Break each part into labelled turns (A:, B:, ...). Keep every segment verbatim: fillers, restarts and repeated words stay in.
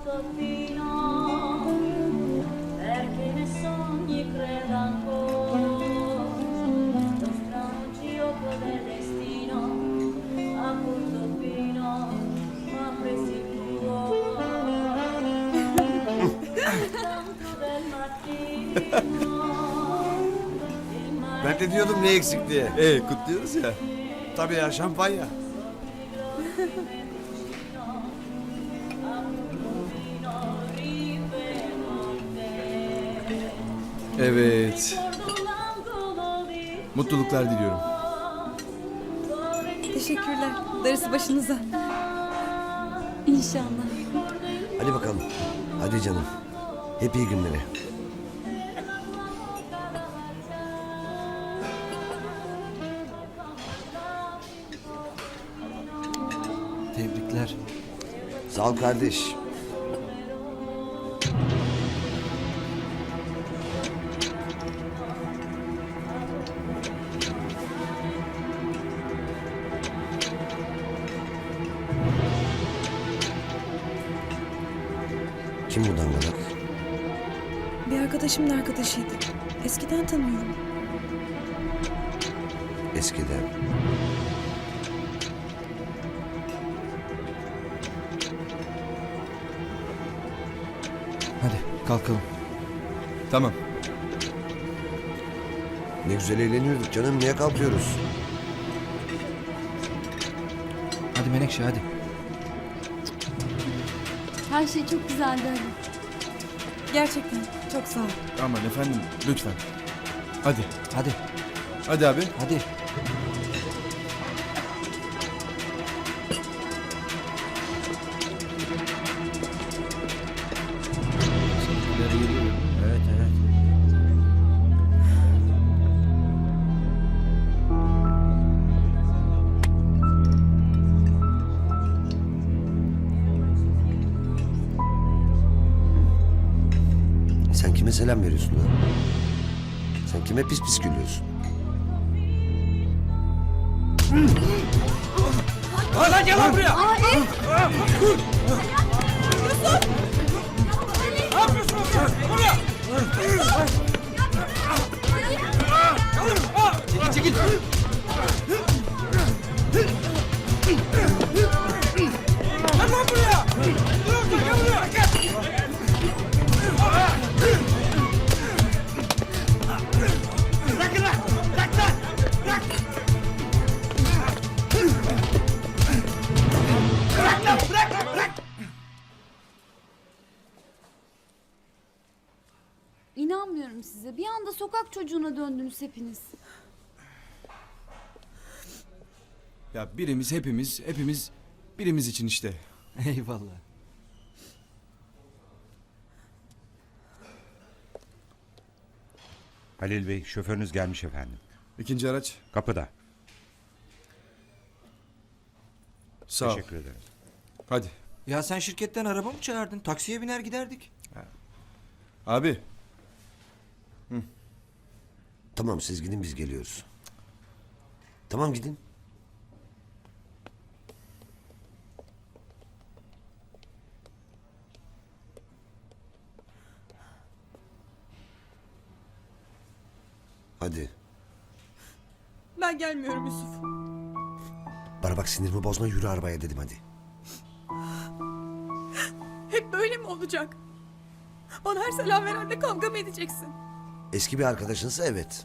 A: Portofino, perché ne sogni credo ancora, lo strano gioco del destino, a Portofino, ma presi il cuore, tanto del mattino.
B: Ben de diyordum ne eksik diye.
C: Ee, kutluyoruz ya.
B: Tabii ya, şampanya.
C: Evet. Mutluluklar diliyorum.
D: Teşekkürler. Darısı başınıza. İnşallah.
B: Hadi bakalım. Hadi canım. Hep iyi günleri.
C: Tebrikler.
B: Sağ ol kardeş. Kim bu dangalak?
D: Bir arkadaşımın arkadaşıydı. Eskiden tanıyorum.
B: Eskiden.
C: Hadi kalkalım. Tamam.
B: Ne güzel eğleniyorduk canım. Niye kalkıyoruz?
C: Hadi Menekşe hadi.
E: Her şey çok güzeldi Ali.
D: Gerçekten çok sağ ol.
C: Aman efendim lütfen. Hadi.
F: Hadi,
C: Hadi abi.
F: hadi. Evet, evet.
B: Sen kime selam veriyorsun lan? Sen kime pis pis gülüyorsun?
F: Lan gel lan buraya! Çekil, çekil! Gel lan buraya! Dur orada, gel buraya! Gel! Bırakın lan! Bırak lan! Bırak! Bırak lan! Bırak! Bırak!
E: İnanmıyorum size. Bir anda sokak çocuğuna döndünüz hepiniz.
C: Ya birimiz hepimiz hepimiz birimiz için işte.
F: Eyvallah.
G: Halil Bey, şoförünüz gelmiş efendim.
C: İkinci araç.
G: Kapıda.
C: Sağ ol.
G: Teşekkür ederim.
C: Hadi.
F: Ya sen şirketten araba mı çağırdın? Taksiye biner giderdik.
C: Abi.
B: Tamam siz gidin biz geliyoruz. Tamam gidin. Hadi.
D: Ben gelmiyorum Yusuf.
B: Bana bak sinirimi bozma yürü arabaya dedim hadi.
D: Hep böyle mi olacak? Bana her selam verende kavga mı edeceksin?
B: Eski bir arkadaşınsa evet.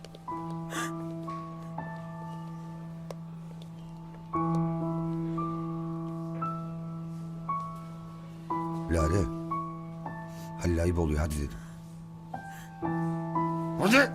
B: Lale. Halil ayıp oluyor hadi dedim. Hadi.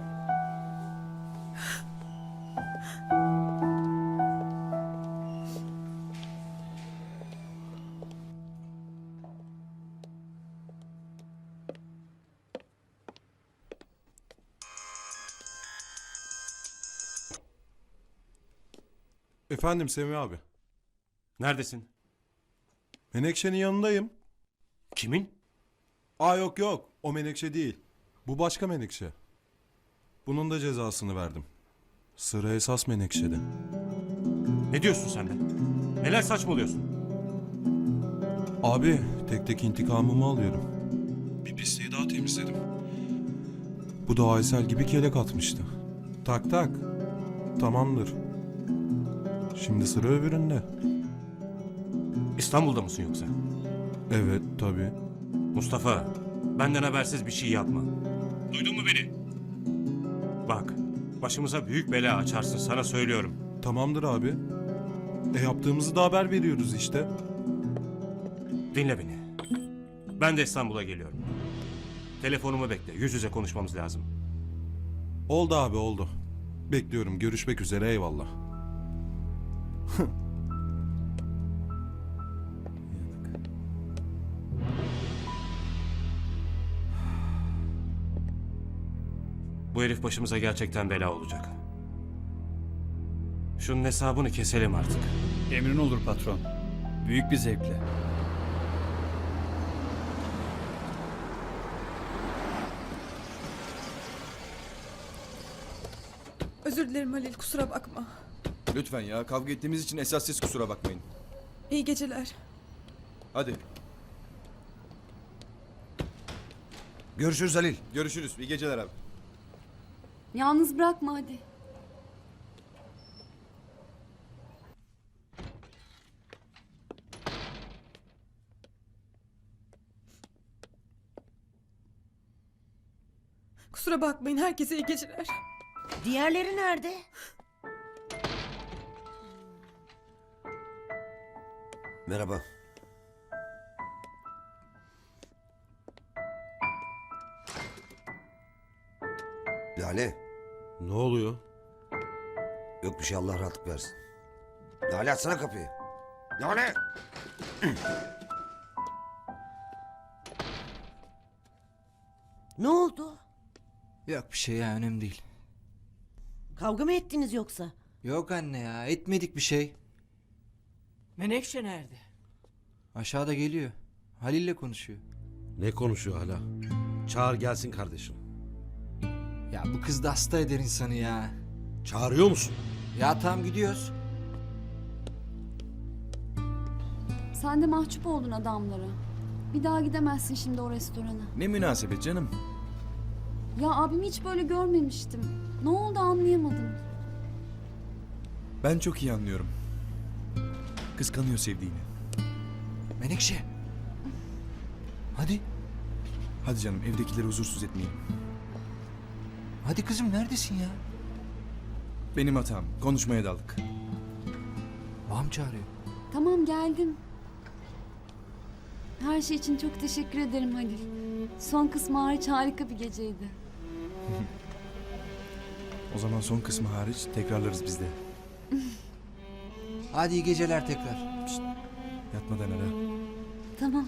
H: Efendim Semih abi.
G: Neredesin?
H: Menekşe'nin yanındayım.
G: Kimin?
H: Aa yok yok o Menekşe değil. Bu başka Menekşe. Bunun da cezasını verdim. Sıra esas Menekşe'de.
G: Ne diyorsun sen be? Neler saçmalıyorsun?
H: Abi Tek tek intikamımı alıyorum. Bir pisliği daha temizledim. Bu da Aysel gibi kelek atmıştı. Tak tak. Tamamdır. Şimdi sıra öbüründe.
G: İstanbul'da mısın yoksa?
H: Evet tabii.
G: Mustafa, benden habersiz bir şey yapma. Duydun mu beni? Bak, başımıza büyük bela açarsın, sana söylüyorum.
H: Tamamdır abi. E yaptığımızı da haber veriyoruz işte.
G: Dinle beni. Ben de İstanbul'a geliyorum. Telefonumu bekle, yüz yüze konuşmamız lazım.
H: Oldu abi oldu. Bekliyorum. Görüşmek üzere, eyvallah.
G: Bu herif başımıza gerçekten bela olacak. Şunun hesabını keselim artık.
C: Emrin olur patron. Büyük bir zevkle.
D: Özür dilerim Halil, kusura bakma.
C: Lütfen ya, kavga ettiğimiz için esas siz kusura bakmayın.
D: İyi geceler.
C: Hadi,
B: Görüşürüz Halil.
C: görüşürüz. İyi geceler abi.
E: Yalnız bırakma hadi.
D: Kusura bakmayın, herkese iyi geceler.
I: Diğerleri nerede?
B: Merhaba. Lale.
J: Ne oluyor?
B: Yok bir şey, Allah rahatlık versin. Lale açsana kapıyı. Lale.
I: Ne oldu?
K: Yok bir şey ya, önemli değil.
I: Kavga mı ettiniz yoksa?
K: Yok anne ya, etmedik bir şey.
I: Menekşe nerede?
K: Aşağıda geliyor. Halil'le konuşuyor.
J: Ne konuşuyor hala? Çağır gelsin kardeşim.
K: Ya bu kız da hasta eder insanı ya.
J: Çağırıyor musun?
K: Ya tamam, gidiyoruz.
E: Sen de mahcup oldun adamlara. Bir daha gidemezsin şimdi o restorana.
C: Ne münasebet canım.
E: Ya abimi hiç böyle görmemiştim. Ne oldu anlayamadım.
C: Ben çok iyi anlıyorum. Kıskanıyor sevdiğini.
K: Menekşe. Hadi.
C: Hadi canım, evdekileri huzursuz etmeyelim.
K: Hadi kızım, neredesin ya?
C: Benim hatam. Konuşmaya daldık.
K: Babam çağırıyor.
E: Tamam geldim. Her şey için çok teşekkür ederim Halil. Son kısmı hariç harika bir geceydi.
C: O zaman son kısmı hariç tekrarlarız biz de.
K: Hadi iyi geceler tekrar.
C: Şşt, yatmadan ara.
E: Tamam.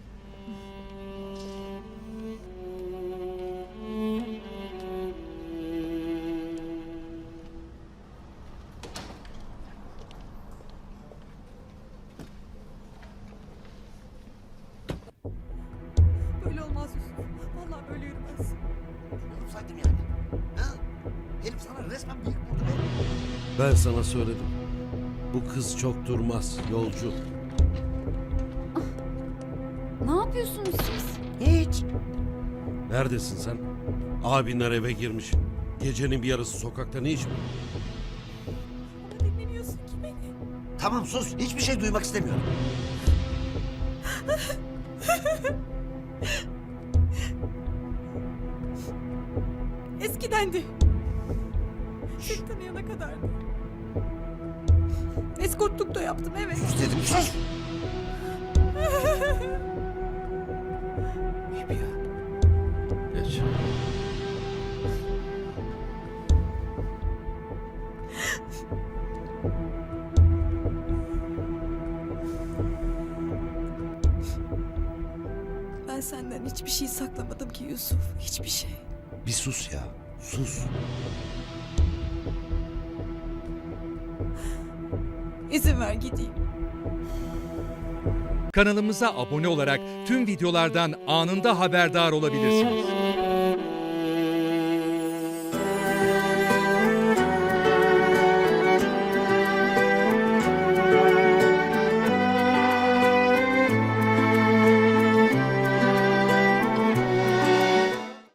D: Böyle olmaz Yusuf. Vallahi böyle yürümez.
B: Saydım yani. Ha? Herif sana resmen büyük vurdu be.
J: Ben sana söyledim. Bu kız çok durmaz, yolcu.
E: Ne yapıyorsunuz siz?
I: Hiç.
J: Neredesin sen? Abinler eve girmiş. Gecenin bir yarısı sokakta ne iş mi?
D: Ama dinlemiyorsun ki beni.
B: Tamam sus. Hiçbir şey duymak istemiyorum.
D: Eskidendi. Seni tanıyana kadardı. Eskortluk da yaptım, evet.
B: Sus dedim sus.
K: İyi ya.
J: Geç.
D: Ben senden hiçbir şey saklamadım ki Yusuf. Hiçbir şey.
B: Bir sus ya. Sus.
D: İzin ver gideyim.
L: Kanalımıza abone olarak tüm videolardan anında haberdar olabilirsiniz.